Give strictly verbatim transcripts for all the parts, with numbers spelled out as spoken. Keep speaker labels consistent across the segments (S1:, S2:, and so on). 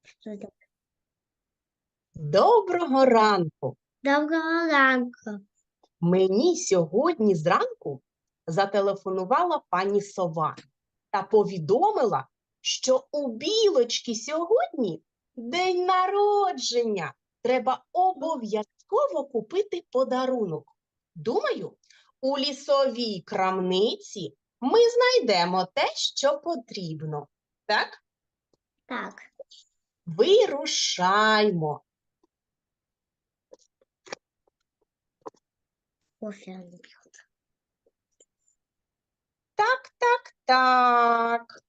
S1: Что это?
S2: Доброго ранку!
S1: Доброго ранку.
S2: Мені сьогодні зранку зателефонувала пані Сова та повідомила, що у Білочки сьогодні день народження. Треба обов'язково купити подарунок. Думаю, у лісовій крамниці ми знайдемо те, що потрібно. Так?
S1: Так.
S2: Вирушаймо.
S1: Кофе она пьет.
S2: Так, так, так.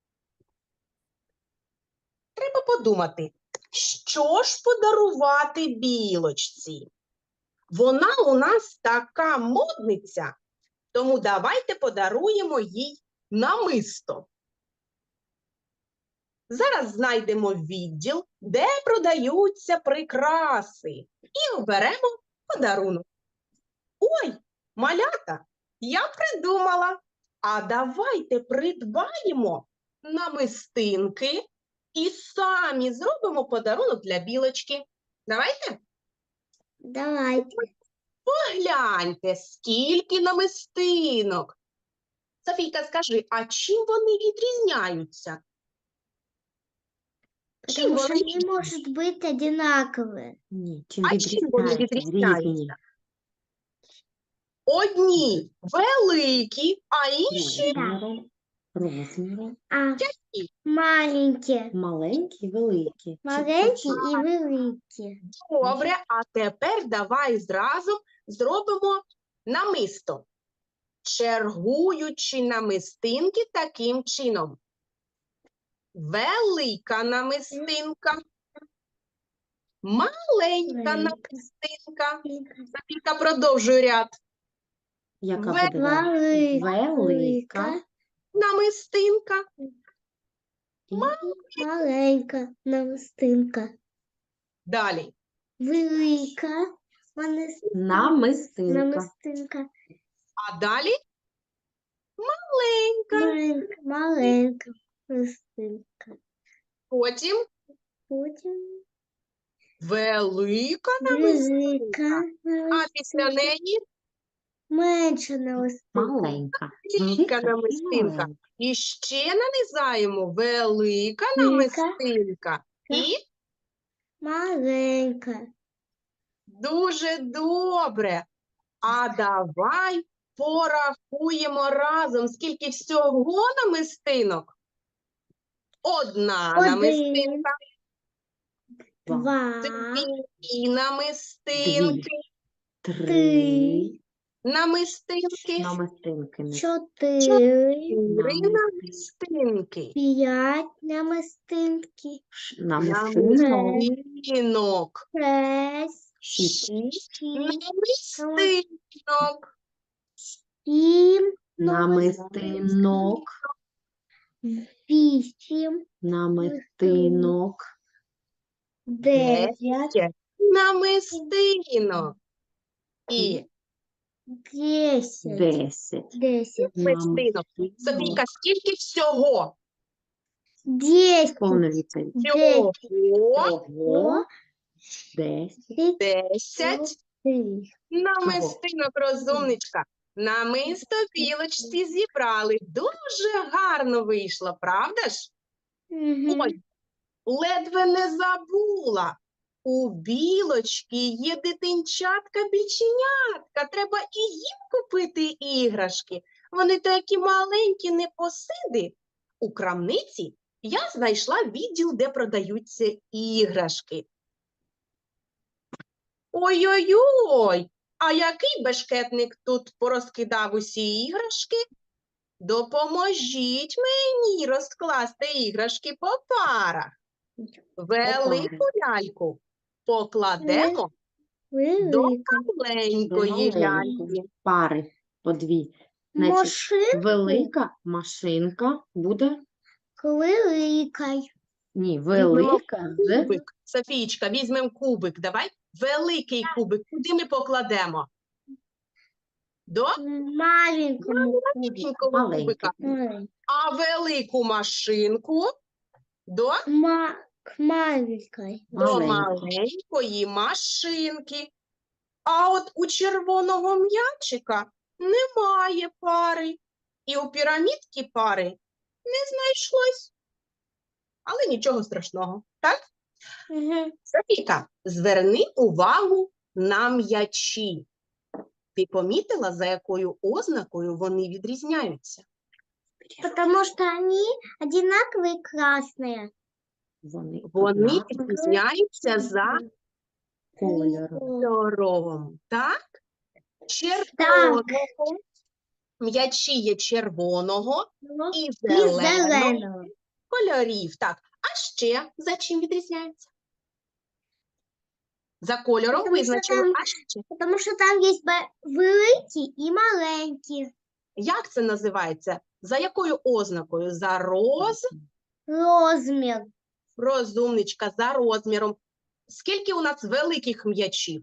S2: Треба подумати, що ж подарувати Білочці? Вона у нас така модниця, тому давайте подаруємо їй намисто. Зараз знайдемо відділ, де продаються прикраси, і оберемо подарунок. Ой, малята, я придумала. А давайте придбаємо намистинки і самі зробимо подарунок для Білочки. Давайте?
S1: Давайте.
S2: Погляньте, скільки намистинок. Софійка, скажи, а чим вони відрізняються? Чим
S1: Потому что
S2: вони
S1: они
S2: різні?
S1: может быть одинаковые.
S3: Ні, чим
S2: А чим вони
S3: відрізняються?
S2: відрізняються?
S3: Різні.
S2: Одні великі, а інші
S3: Розміром, розміром.
S1: А маленькие.
S3: Маленькі, великі.
S1: Маленькие и великие.
S2: добре. А тепер давай зразу зробимо намисто, чергуючи намистинки таким чином. Велика намистинка, маленька
S1: Велика.
S2: намистинка. Софійка, продовжуй ряд.
S3: Яка
S2: Ве-
S3: буде? далі?
S1: Велика.
S3: Велика.
S2: Намистинка,
S3: І
S1: Маленька намистинка.
S2: далі.
S1: Велика манис-
S3: намистинка.
S1: намистинка.
S2: А далі маленька.
S1: Маленька, маленька намистинка.
S2: Потім
S1: Потім
S2: велика намистинка.
S1: велика
S2: А після
S1: намистинка.
S2: неї
S1: Менша намистинка.
S3: Маленька.
S2: велика
S3: і
S2: намистинка.
S3: маленька.
S2: І ще нанизаємо велика
S1: Велика.
S2: намистинка. І
S1: Маленька.
S2: дуже добре. А давай порахуємо разом, скільки всього намистинок. Одна
S1: Один.
S2: намистинка,
S1: Два.
S2: дві намистинки,
S3: Три.
S1: Три.
S2: намистинки,
S3: Намистинки. не
S1: Чотири.
S2: чотири
S3: намистинки.
S2: намистинки,
S1: П'ять намистинки.
S3: Ш- Намистинок.
S2: намистинок,
S1: Шесть.
S3: Шість.
S1: Шість.
S2: намистинок,
S1: Сім.
S3: Намистинок.
S1: Вісім.
S3: Намистинок.
S1: Дев'ять.
S2: намистинок. І
S1: Десять.
S3: Десять.
S1: Десять.
S2: намистинок. Софійка, скільки всього?
S1: Десять.
S3: Повна відповідь.
S2: Всього
S3: Ого. Десять.
S2: десять намистинок, розумничка. Намисто Білочці зібрали. Дуже гарно вийшло, правда ж?
S1: Мгм.
S2: Ой, ледве не забула. У Білочки є дитинчатка-біченятка. Треба і їм купити іграшки. Вони такі маленькі, непосиди. У крамниці я знайшла відділ, де продаються іграшки. Ой-ой-ой, а який бешкетник тут порозкидав усі іграшки? Допоможіть мені розкласти іграшки по парах. Велику ляльку покладемо до
S1: Велика.
S2: маленької ляльки.
S3: Маленькі. Пари по дві. Значить,
S1: Машинка.
S3: велика машинка буде.
S1: Велика.
S3: Ні, велика з
S2: Кубик. Софійчка, візьмемо кубик. Давай. Великий кубик. Куди ми покладемо? До
S1: Маленькому кубику.
S2: маленького
S3: маленький.
S2: кубика. А велику машинку до
S1: Ма... маленькой.
S2: До
S3: Маленький.
S2: маленької машинки. А от у червоного м'ячика немає пари. І у пірамідки пари не знайшлось. Але нічого страшного, так?
S1: Мгм.
S2: Софійка, зверни увагу на м'ячі. Ти помітила, за якою ознакою вони відрізняються?
S1: Потому что они одинаковые красные.
S3: Вони
S2: Вони
S3: однакові
S2: відрізняються за
S3: кольором.
S2: кольором, так? Червоного. М'ячі є червоного
S1: Ну,
S2: і
S1: и
S2: зеленого
S1: зеленого.
S2: кольорів. Так, а ще за чим відрізняються? За кольором
S1: Потому що
S2: визначили,
S1: там-
S2: а ще?
S1: Потому что там есть ба- великий и маленький.
S2: Як це називається? За якою ознакою? За роз...
S1: Розмер.
S2: Розумничка, за розміром. Скільки у нас великих м'ячів?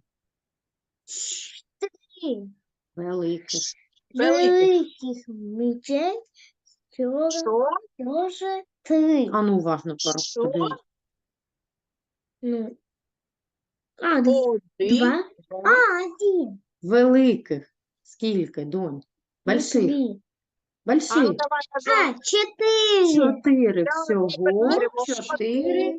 S1: Три.
S3: Великий.
S2: Великих.
S1: Великих мечей тоже,
S2: Що?
S1: тоже три.
S3: А ну, уважно
S2: Що?
S3: подивись.
S1: Ну. А, д-
S2: Один,
S1: два.
S2: два,
S1: А, один.
S3: Великих. Скільки, донь?
S1: Ну,
S3: Больших.
S1: три.
S2: А ну
S3: Больших.
S2: давай разом.
S1: А, четыре.
S3: Чотири
S2: Давай
S3: всього.
S2: перевіримо.
S3: Чотири.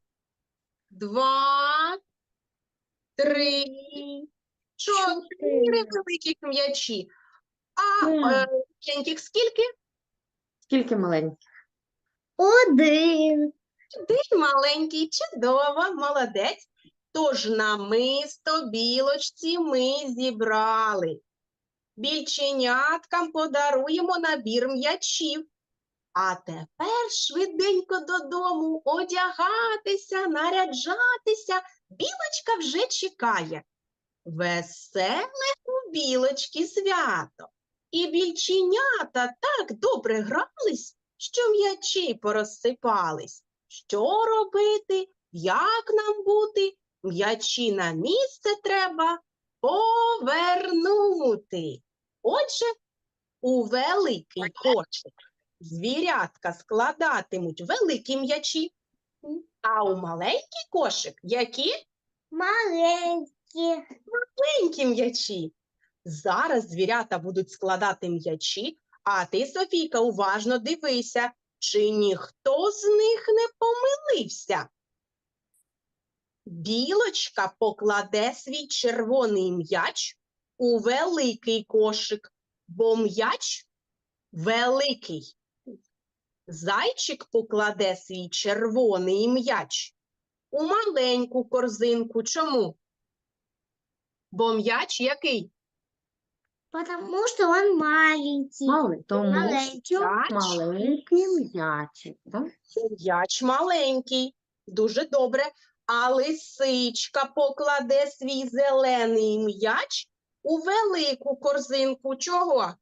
S2: Два, три, чотири
S1: Чотири.
S2: великих м'ячі. А
S1: Так.
S2: е, маленьких скільки?
S3: Скільки маленьких?
S1: Один.
S2: Один маленький, чудово, молодець. Тож намисто білочці ми зібрали. Більченяткам подаруємо набір м'ячів. А тепер швиденько додому одягатися, наряджатися. Білочка вже чекає. Веселе у білочки свято. І більченята так добре грались, що м'ячі порозсипались. Що робити? Як нам бути? М'ячі на місце треба повернути. Отже, у великий кошик звірятка складатимуть великі м'ячі, а у маленький кошик які?
S1: Маленький.
S2: Маленькі м'ячі. Зараз звірята будуть складати м'ячі, а ти, Софійка, уважно дивися, чи ніхто з них не помилився. Білочка покладе свій червоний м'яч у великий кошик, бо м'яч великий. Зайчик покладе свій червоний м'яч у маленьку корзинку. Чому? Бо м'яч який?
S1: Потому что он маленький.
S3: Мали. Тому
S1: Маленький.
S3: що
S2: М'яч.
S3: маленький м'ячик. Так?
S2: М'яч маленький. Дуже добре. А лисичка покладе свій зелений м'яч у велику корзинку. Чого?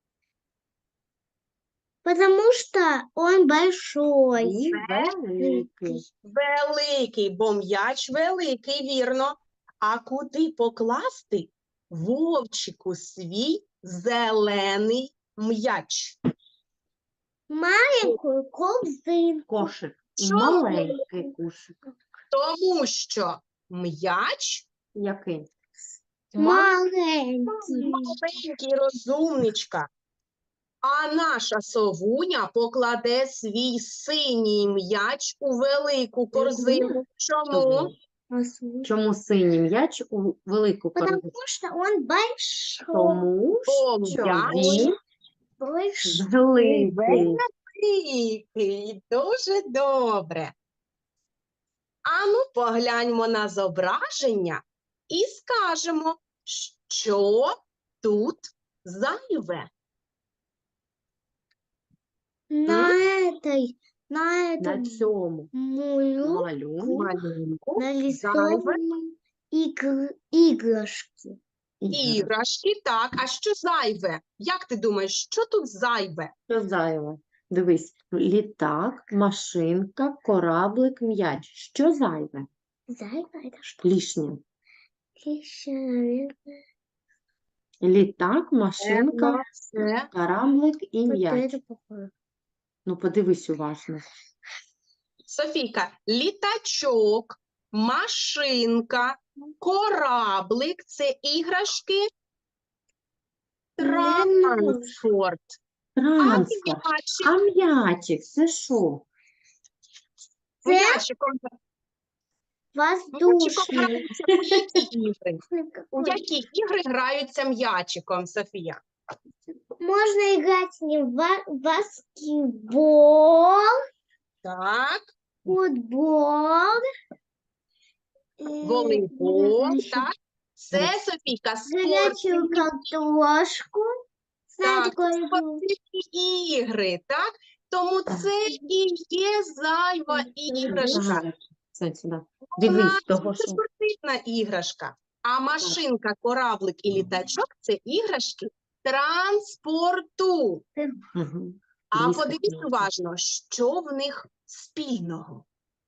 S1: Потому что он большой.
S3: І великий.
S2: Великий, бо м'яч великий, вірно. А куди покласти вовчику свій зелений м'яч?
S1: Маленькую корзинку.
S3: Кошик. І
S2: Чому?
S3: маленький кошик.
S2: Тому що м'яч
S3: Який?
S1: Маленький.
S2: маленький, розумничка. А наша совуня покладе свій синій м'яч у велику корзину. Чому?
S3: Чому синій м'яч у велику корзину?
S1: Потому что он большой.
S3: Тому
S2: Бо
S3: що
S2: м'яч
S3: він
S1: Большой.
S3: великий.
S2: великий. Дуже добре. Ану, погляньмо на зображення і скажемо, що тут зайве.
S1: На этой, на
S3: На
S1: этом
S3: цьому
S1: мулю
S3: малюнку
S2: Малюнку
S1: нарисованы игр- игрушки.
S2: іграшки, так, а що зайве? Як ти думаєш, що тут зайве?
S3: Що зайве? Дивись, літак, машинка, кораблик, м'яч. Що зайве?
S1: Зайка это что?
S3: Лишнє.
S1: Еще, наверное,
S3: Літак, машинка,
S2: Це
S3: кораблик і
S1: вот
S3: м'яч.
S1: это похоже.
S3: Ну, подивись уважно.
S2: Софійка, літачок, машинка, кораблик – це іграшки транспорт. А
S3: Транспорт.
S2: м'ячик,
S3: А м'ячик це що?
S1: Це
S2: м'ячиком, м'ячиком
S1: воздушный.
S2: граються у які ігри? У які ігри граються м'ячиком, Софія?
S1: Можно играть с ним в ба- баскетбол,
S2: Так,
S1: футбол, э,
S2: волейбол,
S1: значит,
S2: так. Це, Софійка,
S1: горячую
S2: спортивні,
S1: картошку. Знаете,
S2: так,
S1: такую
S2: це
S1: игру?
S2: спортивні ігри, так? Тому це і є зайва іграшка.
S3: Так, це сюди.
S2: Вона
S3: Дивись, того,
S2: це
S3: що...
S2: спортивна іграшка. А машинка, кораблик і літачок – це іграшки транспорту.
S3: Угу.
S2: А
S3: Близько
S2: подивіться
S3: знаю.
S2: уважно, що в них спільного.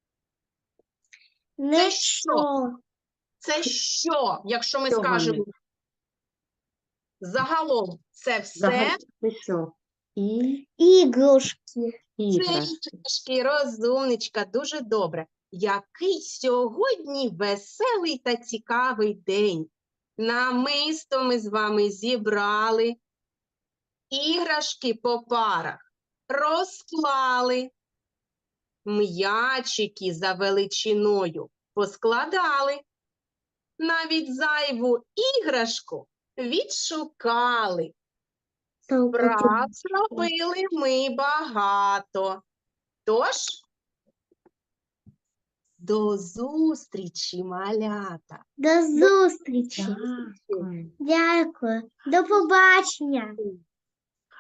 S1: Ну
S2: що?
S1: что?
S2: Це що, якщо ми
S3: Що
S2: скажемо
S3: вони?
S2: загалом, це все
S3: Взагалі, це що? І
S1: Игрушки.
S2: це
S3: іграшки.
S2: іграшки, розумничка, дуже добре. Який сьогодні веселий та цікавий день. Намисто ми з вами зібрали, іграшки по парах розклали, м'ячики за величиною поскладали, навіть зайву іграшку відшукали. Прав зробили ми багато. Тож, до зустрічі, малята!
S1: До зустрічі.
S3: Дякую.
S1: Дякую. До побачення.